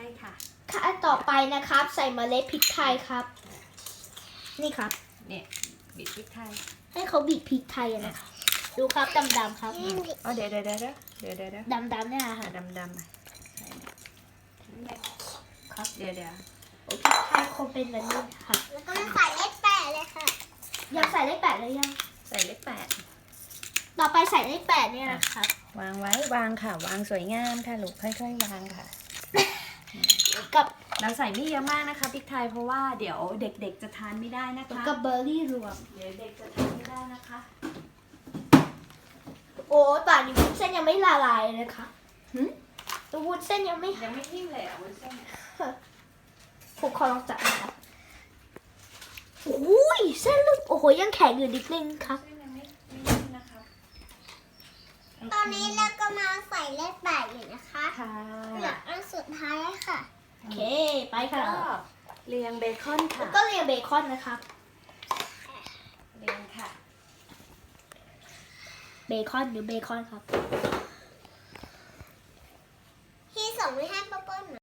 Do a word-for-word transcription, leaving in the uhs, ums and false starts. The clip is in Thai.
ค่ะขั้นต่อไปนะครับ ใส่เมล็ดพริกไทยครับ นี่ครับเนี่ยบีบพริกไทยให้เขาบีบพริกไทยอะนะคะดูครับดำๆครับอ๋อเดี๋ยวเดี๋ยวเดี๋ยวเดี๋ยวเดี๋ยวเดี๋ยวดำๆเนี่ยค่ะดำดำครับเดี๋ยวเดี๋ยวโอ้พริกไทยคงเป็นแบบนี้ค่ะแล้วก็มาใส่เลขแปดเลยค่ะยังใส่เลขแปดเลยยังใส่เลขแปดต่อไปใส่เลขแปดเนี่ยนะครับวางไว้วางค่ะ วางสวยงามค่ะลูกค่อยๆวางค่ะกับเราใส่ไม่เยอะมากนะคะพริกไทยเพราะว่าเดี๋ยวเด็กๆจะทานไม่ได้นะคะกับเบอร์รี่รวมเดี๋ยวเด็กจะทานไม่ได้นะคะโอ้ป่านนี้วุ้นเส้นยังไม่ละลายเลยค่ะหืมตัววุ้นเส้นยังไม่ยังไม่ทิ้มเลยอ่ะวุ้นเส้นผมขอลองจับนะครับอุ้ยเส้นลูกโอ้โหยังแข็งอยู่นิดนึงครับเส้นยังไม่ไม่ทิ้มนะคะตอนนี้เราก็มาใส่เลขแปดอยู่นะคะค่ะเหลืออันสุดท้ายค่ะโอเคไปค่ะก็เรียงเบคอนค่ะแล้วก็เรียงเบคอนนะครับเรียงค่ะเบคอนหรือเบคอนครับที่ส่งไม่ให้